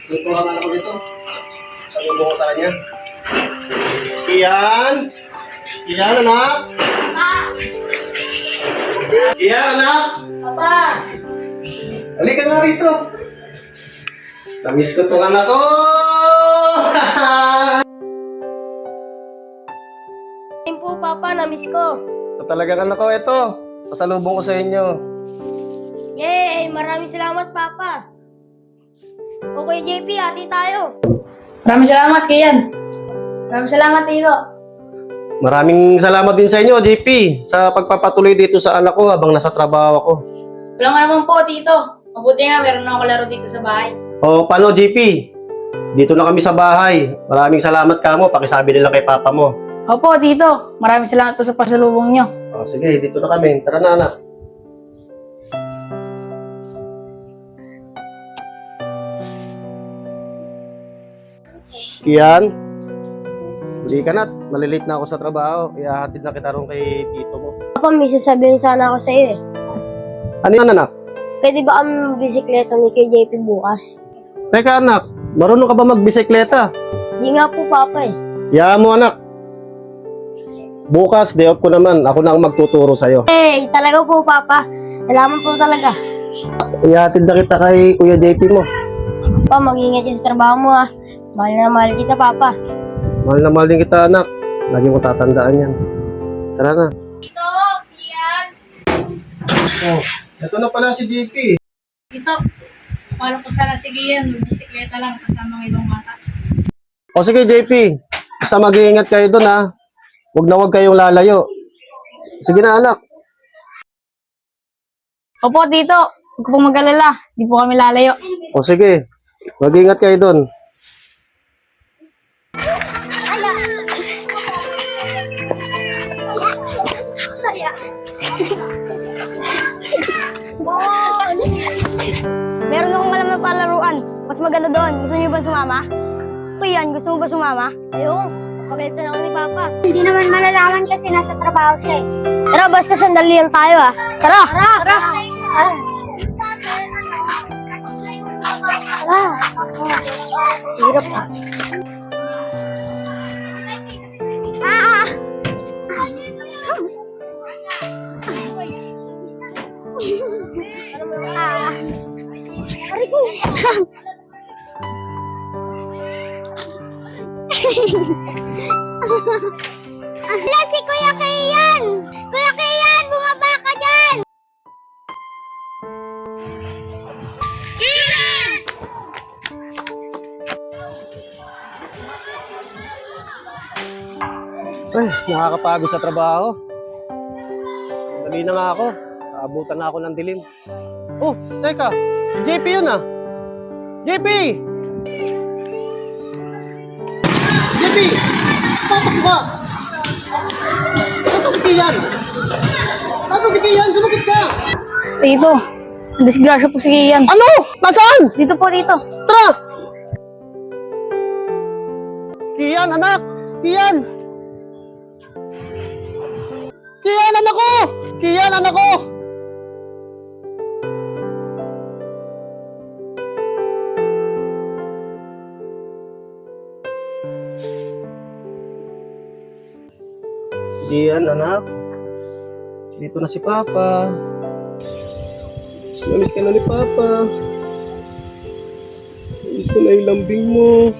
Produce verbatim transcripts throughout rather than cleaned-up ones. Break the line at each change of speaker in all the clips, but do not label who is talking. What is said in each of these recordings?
Tutuhan na ako dito. Salubo ko sa kanya. Kian! Kian, anak! Kian, anak!
Papa!
Halika nga rito. Namiss ko tong anak ko!
Ayun po, Papa, na-miss ko.
Ito talagang anak ko, ito. Pasalubong ko sa inyo.
Yay! Maraming salamat, Papa. Okay, J P, hati tayo.
Maraming salamat, Kian. Maraming salamat, Tito.
Maraming salamat din sa inyo, J P, sa pagpapatuloy dito sa anak ko habang nasa trabaho ako.
Walang nga naman po, Tito. Mabuti nga, meron na ako laro dito sa bahay.
O, paano, J P? Dito na kami sa bahay. Maraming salamat ka mo. Pakisabi nila kay papa mo.
Opo, Tito. Maraming salamat po sa pasalubong nyo.
O, sige, dito na kami. Tara na, anak. Kian, hindi ka na. Malilate na ako sa trabaho. Ihahatid na kita ron kay tito mo.
Papa, may sasabihin sana ako sa iyo eh.
Ano yan, anak?
Pwede ba kami bisikleta ni kay J P bukas?
Teka, anak. Marunong ka ba magbisikleta?
Di nga po, Papa eh.
Yaman mo, anak. Bukas, day off ko naman. Ako na ang magtuturo sa'yo.
Hey, talaga po, Papa. Salamat po talaga.
Ihatid na kita kay Kuya J P mo.
Papa, mag-ingat ka sa trabaho mo ha. Mahal na mahal kita, Papa.
Mahal na mahal din kita, anak. Lagi mo tatandaan yan. Tara na.
Tito, Kian.
Oh, ito na pala si J P.
Tito, paano po sana si Kian? Magbisikleta lang kasama ng ibang bata.
O sige, J P. Basta mag-iingat kayo doon, ha. Huwag na huwag kayong lalayo. Sige na, anak.
Opo, Tito. Huwag po mag-alala. Di po kami lalayo.
O sige. Mag-iingat kayo doon.
Meron akong alam na palaruan. Mas maganda doon. Gusto niyo ba sumama? Kuyan, gusto mo ba sumama? Ayoko. Pagalitan ako ni Papa. Hindi naman malalaman kasi nasa trabaho siya eh. Tara, basta sandali lang tayo ah. Tara! Tara! Tara! Tara! Tara! Hirap ah. Ah! Ah! Aray ko! Ala, si Kuya Kian! Kuya Kian, bumaba ka dyan! Kian!
Ay, nakakapagod sa trabaho. Dali na nga ako. Naabutan na ako ng dilim. Oh, teka. Si J P yun, ah. J P! J P! Patak ka! Nasaan si Kian? Nasaan si Kian? Sumagot ka!
Tito, disgrasya po si Kian.
Ano? Nasaan?
Dito po, Tito.
Tara! Kian, anak! Kian! Kian, anak ko! Kian, anak ko! Kian, anak. Dito na si Papa. Namiss ka na ni Papa. Namiss ko na yung lambing mo.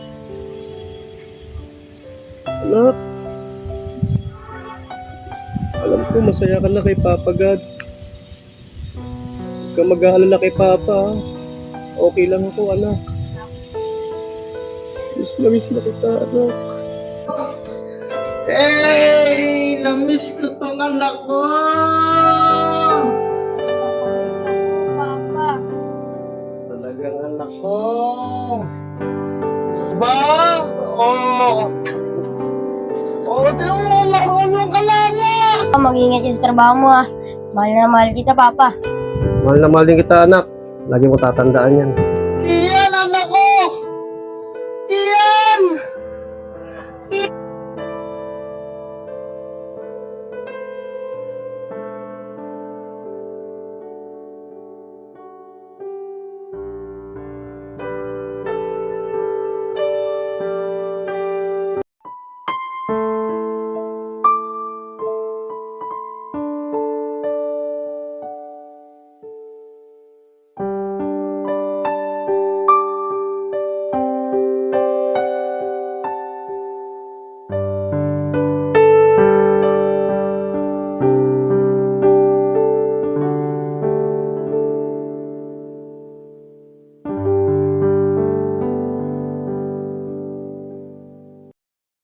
Anak. Alam ko, masaya ka na kay Papa God. Huwag ka mag-aalala kay Papa. Okay lang ako, anak. Miss na miss na kita, anak. Hey! Namiss ko tong anak ko!
Papa.
Talagang anak ko! Ba? Oh! Oh, tinong mo, marunong ka na, anak!
Mag-ingat ka sa trabaho mo ha. Mahal na mahal kita, Papa.
Mahal na mahal din kita, anak. Lagi mo tatandaan yan.